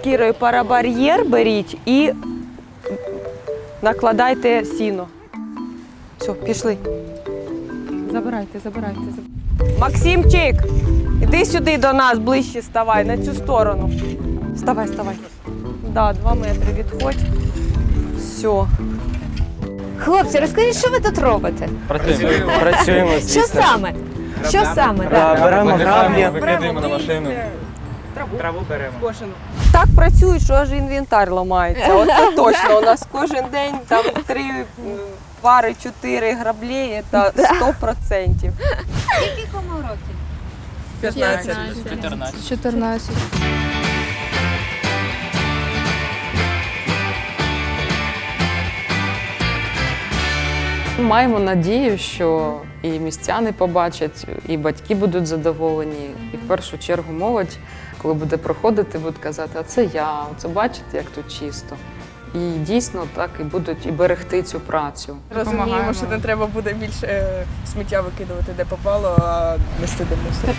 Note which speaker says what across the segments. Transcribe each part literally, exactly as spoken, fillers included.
Speaker 1: шкірою парабар'єр беріть і накладайте сіно. Все, пішли.
Speaker 2: Забирайте, забирайте.
Speaker 1: Максимчик, іди сюди до нас, ближче ставай, на цю сторону. Вставай, вставай. Да, два метри відходь. Все.
Speaker 3: Хлопці, розкажіть, що ви тут робите?
Speaker 4: Працюємо. Працюємо.
Speaker 3: Що саме? Що саме? Так?
Speaker 4: Беремо граблі.
Speaker 5: Викидаємо на машину. Траву беремо.
Speaker 1: Так працюють, що аж інвентар ламається. Оце точно. У нас кожен день там три пари, чотири граблі, це сто відсотків.
Speaker 3: Скільки кому років?
Speaker 1: п'ятнадцять.
Speaker 2: чотирнадцять. чотирнадцять.
Speaker 6: Маємо надію, що і містяни побачать, і батьки будуть задоволені, і в першу чергу молодь, коли буде проходити, будуть казати, а це я, це бачите, як тут чисто. І дійсно так і будуть і берегти цю працю.
Speaker 2: Розуміємо,
Speaker 7: що не треба буде більше е, сміття викидувати, де попало, а не стидимося.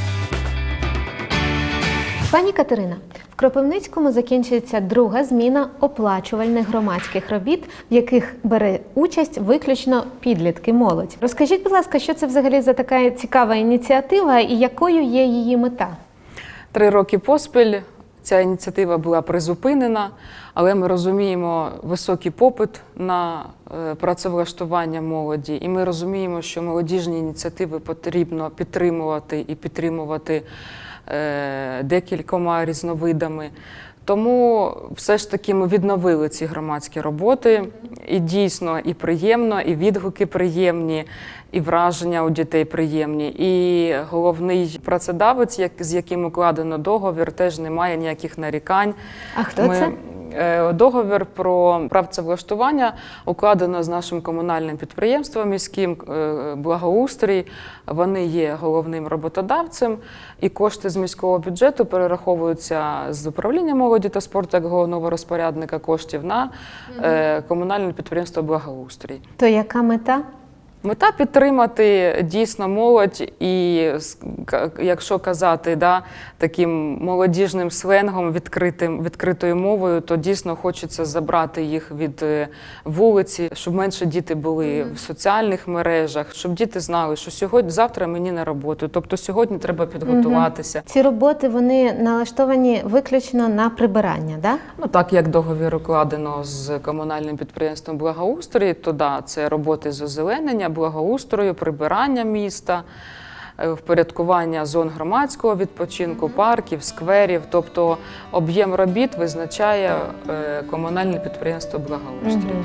Speaker 3: Пані Катерина, в Кропивницькому закінчується друга зміна оплачувальних громадських робіт, в яких бере участь виключно підлітки, молодь. Розкажіть, будь ласка, що це взагалі за така цікава ініціатива і якою є її мета?
Speaker 6: Три роки поспіль ця ініціатива була призупинена, але ми розуміємо високий попит на працевлаштування молоді, і ми розуміємо, що молодіжні ініціативи потрібно підтримувати і підтримувати декількома різновидами. Тому все ж таки ми відновили ці громадські роботи. І дійсно і приємно, і відгуки приємні, і враження у дітей приємні. І головний працедавець, з яким укладено договір, теж не має ніяких нарікань.
Speaker 3: А хто
Speaker 6: ми...
Speaker 3: це?
Speaker 6: Договір про працевлаштування укладено з нашим комунальним підприємством міським «Благоустрій». Вони є головним роботодавцем, і кошти з міського бюджету перераховуються з управління молоді та спорту як головного розпорядника коштів на комунальне підприємство «Благоустрій».
Speaker 3: То яка мета?
Speaker 6: Мета – підтримати дійсно молодь і, якщо казати да, таким молодіжним сленгом, відкритим, відкритою мовою, то дійсно хочеться забрати їх від вулиці, щоб менше діти були в соціальних мережах, щоб діти знали, що сьогодні, завтра мені на роботу, тобто сьогодні треба підготуватися.
Speaker 3: Ці роботи, вони налаштовані виключно на прибирання, да?
Speaker 6: Ну так, як договір укладено з комунальним підприємством «Благоустрій», то да, це роботи з озеленення, благоустрою, прибирання міста, впорядкування зон громадського відпочинку, парків, скверів. Тобто об'єм робіт визначає комунальне підприємство «Благоустрій».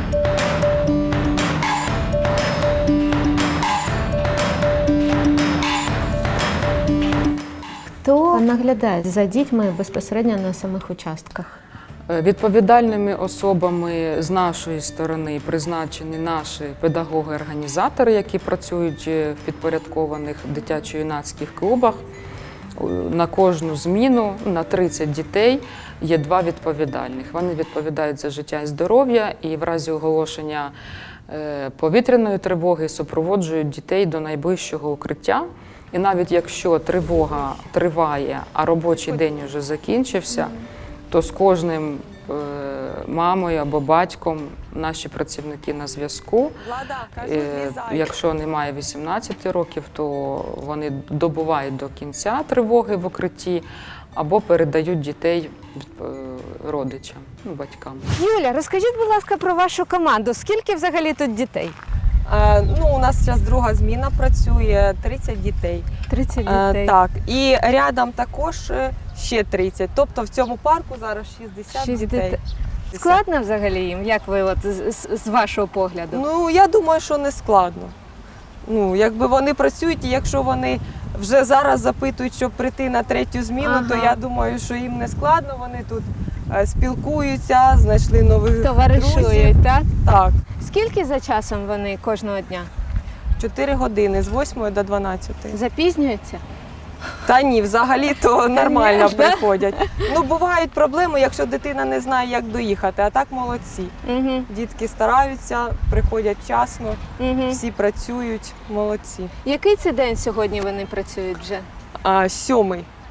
Speaker 3: Хто наглядає за дітьми безпосередньо на самих участках?
Speaker 6: Відповідальними особами з нашої сторони призначені наші педагоги-організатори, які працюють в підпорядкованих дитячо-юнацьких клубах. На кожну зміну, на тридцять дітей, є два відповідальних. Вони відповідають за життя і здоров'я, і в разі оголошення повітряної тривоги супроводжують дітей до найближчого укриття. І навіть якщо тривога триває, а робочий день вже закінчився, то з кожним е, мамою або батьком наші працівники на зв'язку. Е, якщо немає вісімнадцяти років, то вони добувають до кінця тривоги в укритті або передають дітей е, родичам, ну, батькам.
Speaker 3: Юля, розкажіть, будь ласка, про вашу команду. Скільки взагалі тут дітей?
Speaker 1: Е, ну, у нас зараз друга зміна працює, тридцять дітей.
Speaker 3: тридцять дітей.
Speaker 1: Е, так, і рядом також ще тридцять. Тобто в цьому парку зараз шістдесят
Speaker 3: Шість
Speaker 1: дітей.
Speaker 3: дітей. Складно взагалі їм, як ви от з, з, з вашого погляду?
Speaker 1: Ну, я думаю, що не складно. Ну, якби вони працюють, і якщо вони вже зараз запитують, щоб прийти на третю зміну,
Speaker 3: Ага.
Speaker 1: то я думаю, що їм не складно. Вони тут е, спілкуються, знайшли нових друзів.
Speaker 3: Товаришують, так?
Speaker 1: Так.
Speaker 3: Скільки за часом вони кожного дня?
Speaker 1: Чотири години з восьмої до дванадцятої.
Speaker 3: Запізнюються?
Speaker 1: Та ні, взагалі то нормально
Speaker 3: Конечно.
Speaker 1: приходять. Ну, бувають проблеми, якщо дитина не знає, як доїхати, а так молодці.
Speaker 3: Угу.
Speaker 1: Дітки стараються, приходять вчасно,
Speaker 3: Угу.
Speaker 1: всі працюють, молодці.
Speaker 3: Який це день сьогодні вони працюють вже?
Speaker 1: А, сьомий.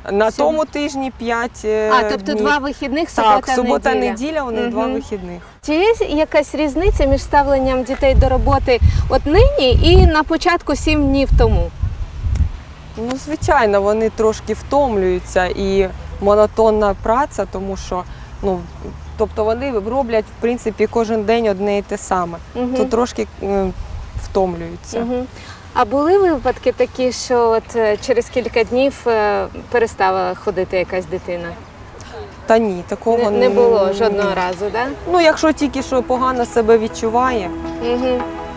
Speaker 1: На
Speaker 3: Сьом-
Speaker 1: тому тижні п'ять
Speaker 3: А, тобто два вихідних, субота,
Speaker 1: Так, субота,
Speaker 3: неділя.
Speaker 1: неділя, у них два
Speaker 3: Мгм.
Speaker 1: вихідних.
Speaker 3: Чи є якась різниця між ставленням дітей до роботи от нині і на початку сім днів тому?
Speaker 1: Ну, звичайно, вони трошки втомлюються і монотонна праця, тому що, ну, тобто вони роблять, в принципі, кожен день одне і те саме.
Speaker 3: Мгм.
Speaker 1: То трошки е, втомлюються.
Speaker 3: Мгм. А були випадки такі, що от е, через кілька днів е, перестала ходити якась дитина?
Speaker 1: Та ні, такого
Speaker 3: Не, не було
Speaker 1: ні.
Speaker 3: жодного разу, так?
Speaker 1: Ну, якщо тільки що погано себе відчуває.
Speaker 3: Угу.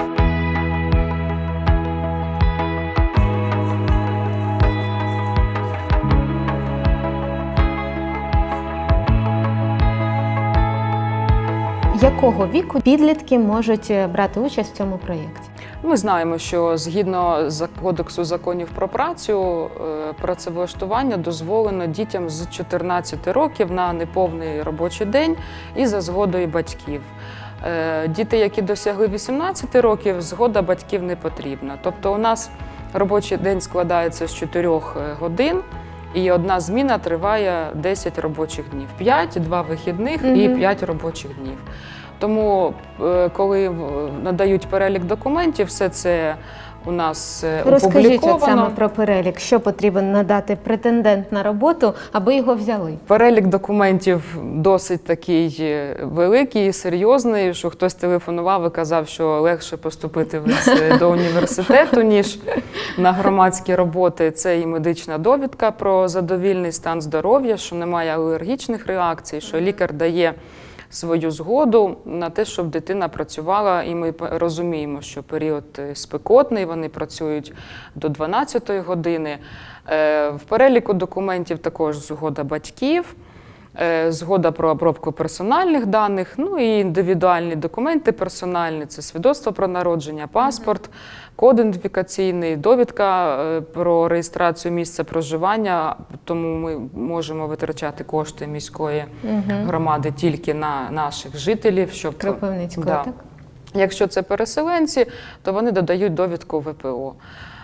Speaker 3: Якого віку підлітки можуть е, брати участь в цьому проєкті?
Speaker 6: Ми знаємо, що згідно з Кодексу законів про працю, е, працевлаштування дозволено дітям з чотирнадцяти років на неповний робочий день і за згодою батьків. Е, Діти, які досягли вісімнадцяти років, згода батьків не потрібна. Тобто у нас робочий день складається з чотирьох годин, і одна зміна триває десять робочих днів. п'ять, два вихідних і
Speaker 3: Мгм.
Speaker 6: п'ять робочих днів. Тому, е, коли в- надають перелік документів, все це у нас е,
Speaker 3: Розкажіть от
Speaker 6: опубліковано.
Speaker 3: саме про перелік, що потрібно надати претендент на роботу, аби його взяли.
Speaker 6: Перелік документів досить такий е, великий і серйозний, що хтось телефонував і казав, що легше поступити в- до університету, ніж на громадські роботи. Це і медична довідка про задовільний стан здоров'я, що немає алергічних реакцій, що лікар дає свою згоду на те, щоб дитина працювала, і ми п- розуміємо, що період е, спекотний, вони працюють до дванадцятої години. Е, В переліку документів також згода батьків, е, згода про обробку персональних даних, ну і індивідуальні документи персональні, це свідоцтво про народження, паспорт, код ідентифікаційний, довідка е, про реєстрацію місця проживання, тому ми можемо витрачати кошти міської громади тільки на наших жителів, щоб
Speaker 3: Кропивницької,
Speaker 6: Да.
Speaker 3: так?
Speaker 6: Якщо це переселенці, то вони додають довідку В П О.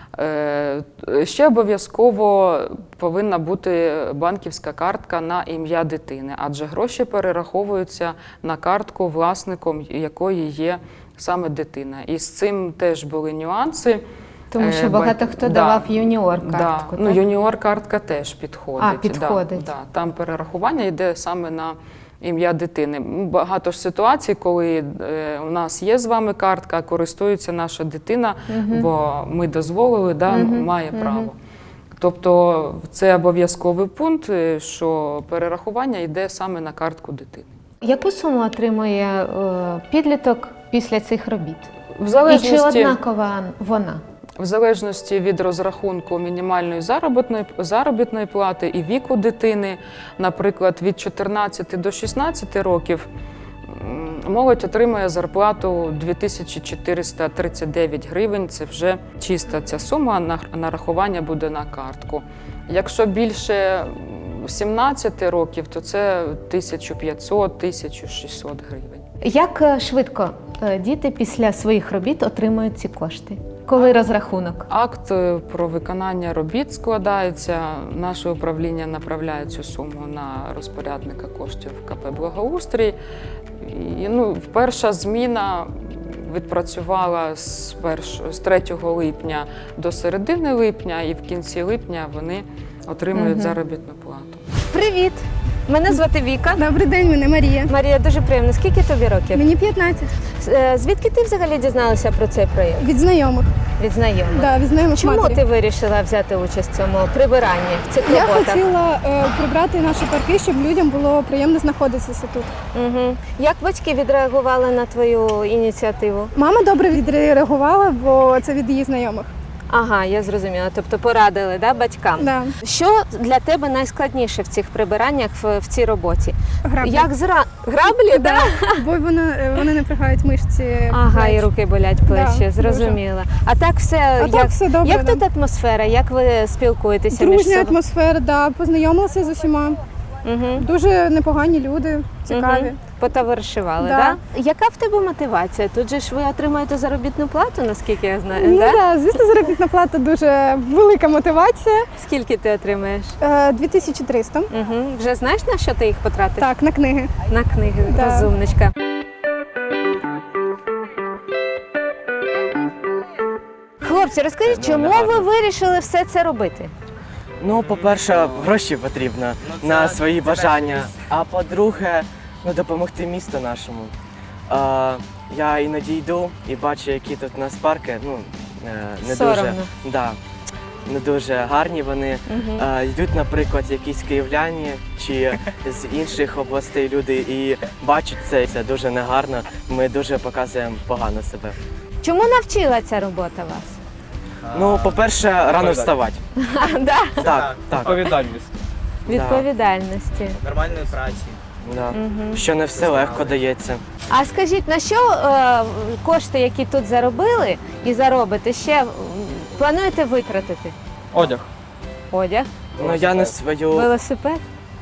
Speaker 6: Е, Ще обов'язково повинна бути банківська картка на ім'я дитини, адже гроші перераховуються на картку, власником якої є саме дитина. І з цим теж були нюанси.
Speaker 3: Тому що
Speaker 6: Е,
Speaker 3: багато
Speaker 6: бан-
Speaker 3: хто
Speaker 6: да.
Speaker 3: давав юніор картку.
Speaker 6: Да. Ну,
Speaker 3: так?
Speaker 6: юніор картка теж підходить.
Speaker 3: А, підходить.
Speaker 6: Да, да. Там перерахування йде саме на ім'я дитини. Багато ж ситуацій, коли е, у нас є з вами картка, користується наша дитина, бо ми дозволили, да, має право. Тобто це обов'язковий пункт, е, що перерахування йде саме на картку дитини.
Speaker 3: Яку суму отримує е, підліток після цих робіт?
Speaker 6: В
Speaker 3: І чи
Speaker 6: залежності,
Speaker 3: однакова вона?
Speaker 6: в залежності від розрахунку мінімальної заробітної, заробітної плати і віку дитини, наприклад, від чотирнадцяти до шістнадцяти років, м, молодь отримує зарплату дві тисячі чотириста тридцять дев'ять гривень. Це вже чиста ця сума, на- нарахування буде на картку. Якщо більше сімнадцяти років, то це тисяча п'ятсот - тисяча шістсот гривень.
Speaker 3: Як е, швидко е, діти після своїх робіт отримують ці кошти? Коли розрахунок?
Speaker 6: Акт е, про виконання робіт складається. Наше управління направляє цю суму на розпорядника коштів К П «Благоустрій». І, ну, перша зміна відпрацювала з, перш... з третього липня до середини липня, і в кінці липня вони отримують
Speaker 3: Мгм.
Speaker 6: заробітну плату.
Speaker 3: Привіт! Мене звати Віка.
Speaker 8: Добрий день, мене Марія.
Speaker 3: Марія, дуже приємно. Скільки тобі років?
Speaker 8: Мені п'ятнадцять.
Speaker 3: Е, Звідки ти взагалі дізналася про цей проєкт?
Speaker 8: Від знайомих.
Speaker 3: Від знайомих?
Speaker 8: Да, від знайомих
Speaker 3: Чому
Speaker 8: матері.
Speaker 3: ти вирішила взяти участь в цьому прибиранні, в цих
Speaker 8: Я
Speaker 3: роботах?
Speaker 8: хотіла е, прибрати наші парки, щоб людям було приємно знаходитися тут.
Speaker 3: Угу. Як батьки відреагували на твою ініціативу?
Speaker 8: Мама добре відреагувала, бо це від її знайомих.
Speaker 3: Ага, я зрозуміла. Тобто порадили, да, батькам?
Speaker 8: Да.
Speaker 3: Що для тебе найскладніше в цих прибираннях, в, в цій роботі?
Speaker 8: Граблі.
Speaker 3: Як зра... Граблі,
Speaker 8: Да, бо вони, е, вони напрягають мишці.
Speaker 3: Ага, і
Speaker 8: плеч.
Speaker 3: руки болять, плечі,
Speaker 8: Да,
Speaker 3: зрозуміла. А так все,
Speaker 8: А
Speaker 3: як,
Speaker 8: так все добре.
Speaker 3: як
Speaker 8: да.
Speaker 3: тут атмосфера, як ви спілкуєтеся між
Speaker 8: Дружня
Speaker 3: собою?
Speaker 8: атмосфера, да, познайомилася з усіма.
Speaker 3: Угу.
Speaker 8: Дуже непогані люди, цікаві.
Speaker 3: Угу. Потоваришували,
Speaker 8: Да.
Speaker 3: так? Да? Яка в тебе мотивація? Тут же ж ви отримаєте заробітну плату, наскільки я знаю,
Speaker 8: Ну
Speaker 3: да?
Speaker 8: так, звісно, заробітна плата дуже велика мотивація.
Speaker 3: Скільки ти отримаєш?
Speaker 8: Е, дві тисячі триста.
Speaker 3: Угу. Вже знаєш, на що ти їх потратиш?
Speaker 8: Так, на книги.
Speaker 3: На книги,
Speaker 8: Да.
Speaker 3: розумничка. Хлопці, розкажіть, чому ви вирішили все це робити?
Speaker 4: Ну, по-перше, гроші потрібно на свої бажання. А по-друге, ну, допомогти місту нашому. Е, я іноді йду і бачу, які тут у нас парки. Ну, е, не дуже,
Speaker 3: Соромно.
Speaker 4: да, не дуже гарні вони. Е, йдуть, наприклад, якісь київляні чи з інших областей люди і бачать це. Це дуже негарно. Ми дуже показуємо погано себе.
Speaker 3: Чому навчила ця робота вас?
Speaker 4: Ну, по-перше, рано вставати.
Speaker 3: А, да?
Speaker 4: Так, так.
Speaker 5: Відповідальність.
Speaker 3: Відповідальності.
Speaker 5: Нормальної праці.
Speaker 4: Да. Що не все легко дається.
Speaker 3: А скажіть, на що е, кошти, які тут заробили і заробите, ще м, плануєте витратити?
Speaker 5: Одяг.
Speaker 3: Одяг,
Speaker 4: Ну, я на свою,
Speaker 3: велосипед?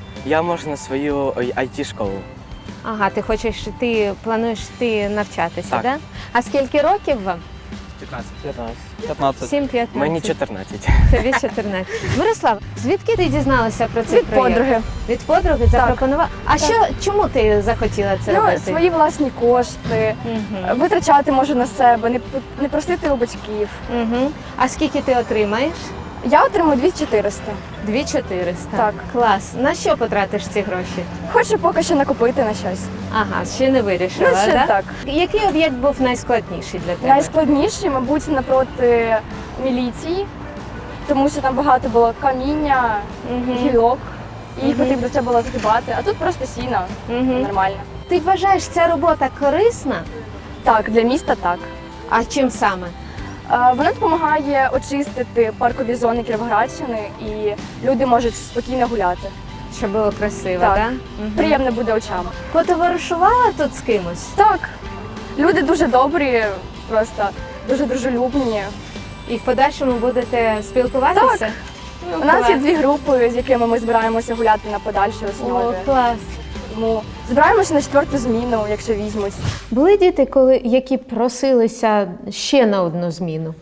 Speaker 4: я можу на свою ай ті-школу.
Speaker 3: Ага, ти хочеш, ти плануєш ти навчатися,
Speaker 4: Так.
Speaker 3: да? А скільки років вам?
Speaker 5: п'ятнадцять. п'ятнадцять.
Speaker 3: сім п'ятнадцять.
Speaker 4: Мені чотирнадцять.
Speaker 3: Тобі чотирнадцять. Мирослав, звідки ти дізналася про цей
Speaker 9: Від
Speaker 3: проєкт?
Speaker 9: подруги.
Speaker 3: Від подруги запропонував. А що, чому ти захотіла це
Speaker 9: Ну,
Speaker 3: робити?
Speaker 9: свої власні кошти,
Speaker 3: Мгм.
Speaker 9: витрачати можу на себе, не, п- не просити у батьків.
Speaker 3: Угу. А скільки ти отримаєш?
Speaker 9: Я отримую дві тисячі чотириста.
Speaker 3: дві тисячі чотириста.
Speaker 9: Так.
Speaker 3: Клас. На що потратиш ці гроші?
Speaker 9: Хочу поки що накопити на щось.
Speaker 3: Ага, ще не вирішила,
Speaker 9: Ну, ще
Speaker 3: да?
Speaker 9: так.
Speaker 3: Який об'єкт був найскладніший для тебе?
Speaker 9: Найскладніше, мабуть, напроти міліції, тому що там багато було каміння,
Speaker 3: Мгм.
Speaker 9: гілок, і їх
Speaker 3: Мгм.
Speaker 9: потрібно це було згибати, а тут просто сіно,
Speaker 3: Мгм.
Speaker 9: нормально.
Speaker 3: Ти вважаєш, ця робота корисна?
Speaker 9: Так, для міста так.
Speaker 3: А чим саме?
Speaker 9: Е, Вона допомагає очистити паркові зони Кіровоградщини, і люди можуть спокійно гуляти.
Speaker 3: Щоб було красиво,
Speaker 9: Так.
Speaker 3: да? Мгм.
Speaker 9: Приємно буде очам.
Speaker 3: Потоваришувала тут з кимось?
Speaker 9: Так, люди дуже добрі, просто дуже дружелюбні.
Speaker 3: І в подальшому будете спілкуватися?
Speaker 9: Так.
Speaker 3: Ну,
Speaker 9: У нас є
Speaker 3: клас.
Speaker 9: дві групи, з якими ми збираємося гуляти на подальшій
Speaker 3: О,
Speaker 9: основі.
Speaker 3: клас.
Speaker 9: Тому збираємося на четверту зміну, якщо візьмуть.
Speaker 3: Були діти, коли, які просилися ще на одну зміну?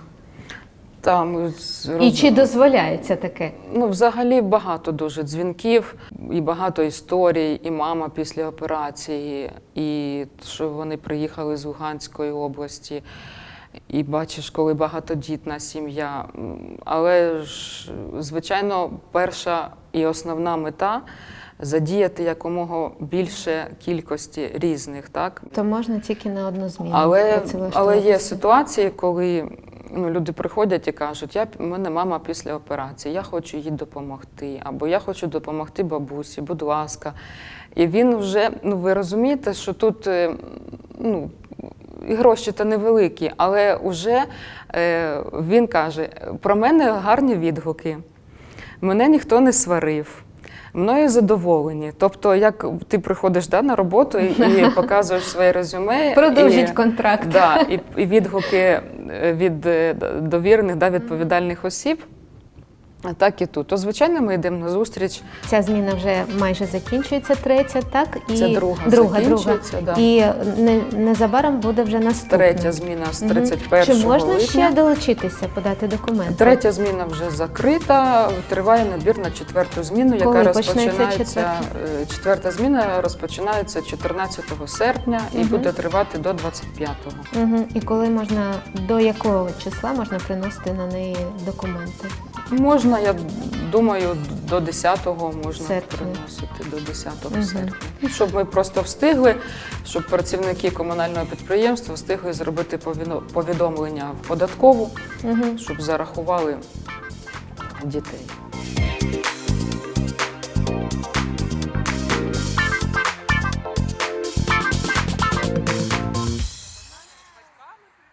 Speaker 6: Там
Speaker 3: І чи дозволяється таке?
Speaker 6: Ну, взагалі багато дуже дзвінків, і багато історій, і мама після операції, і що вони приїхали з Луганської області. І бачиш, коли багатодітна сім'я. М, Але ж, звичайно, перша і основна мета задіяти якомога більше кількості різних, так?
Speaker 3: То можна тільки на одну зміну.
Speaker 6: Але, але є
Speaker 3: працевлаштуватися.
Speaker 6: ситуації, коли ну, люди приходять і кажуть, я, у мене мама після операції, я хочу їй допомогти, або я хочу допомогти бабусі, будь ласка. І він вже, ну ви розумієте, що тут е, ну, і гроші то невеликі, але вже е, він каже, про мене гарні відгуки, мене ніхто не сварив. Мною задоволені. Тобто, як ти приходиш да, на роботу і, і показуєш своє резюме.
Speaker 3: Продовжіть
Speaker 6: і,
Speaker 3: контракт.
Speaker 6: Да, і, і відгуки від е, довірених, да, відповідальних осіб. А так і тут. То, звичайно, ми йдемо на зустріч.
Speaker 3: Ця зміна вже майже закінчується, третя, так? І
Speaker 6: Це друга
Speaker 3: друга, друга.
Speaker 6: закінчується, да.
Speaker 3: І не, незабаром буде вже наступна.
Speaker 6: Третя зміна з
Speaker 3: Мгм.
Speaker 6: тридцять першого
Speaker 3: Чи можна
Speaker 6: липня.
Speaker 3: ще долучитися, подати документи?
Speaker 6: Третя зміна вже закрита, триває набір на четверту зміну, яка
Speaker 3: Коли почнеться
Speaker 6: розпочинається.
Speaker 3: четверта?
Speaker 6: е, Четверта зміна розпочинається чотирнадцятого серпня і
Speaker 3: Мгм.
Speaker 6: буде тривати до двадцять п'ятого.
Speaker 3: Угу. І коли можна, до якого числа можна приносити на неї документи?
Speaker 6: Можна, я думаю, до десятого можна
Speaker 3: Серпня.
Speaker 6: приносити, до десятого
Speaker 3: Мгм.
Speaker 6: серпня. Ну, щоб ми просто встигли, щоб працівники комунального підприємства встигли зробити повіно- повідомлення в податкову,
Speaker 3: Угу.
Speaker 6: щоб зарахували дітей.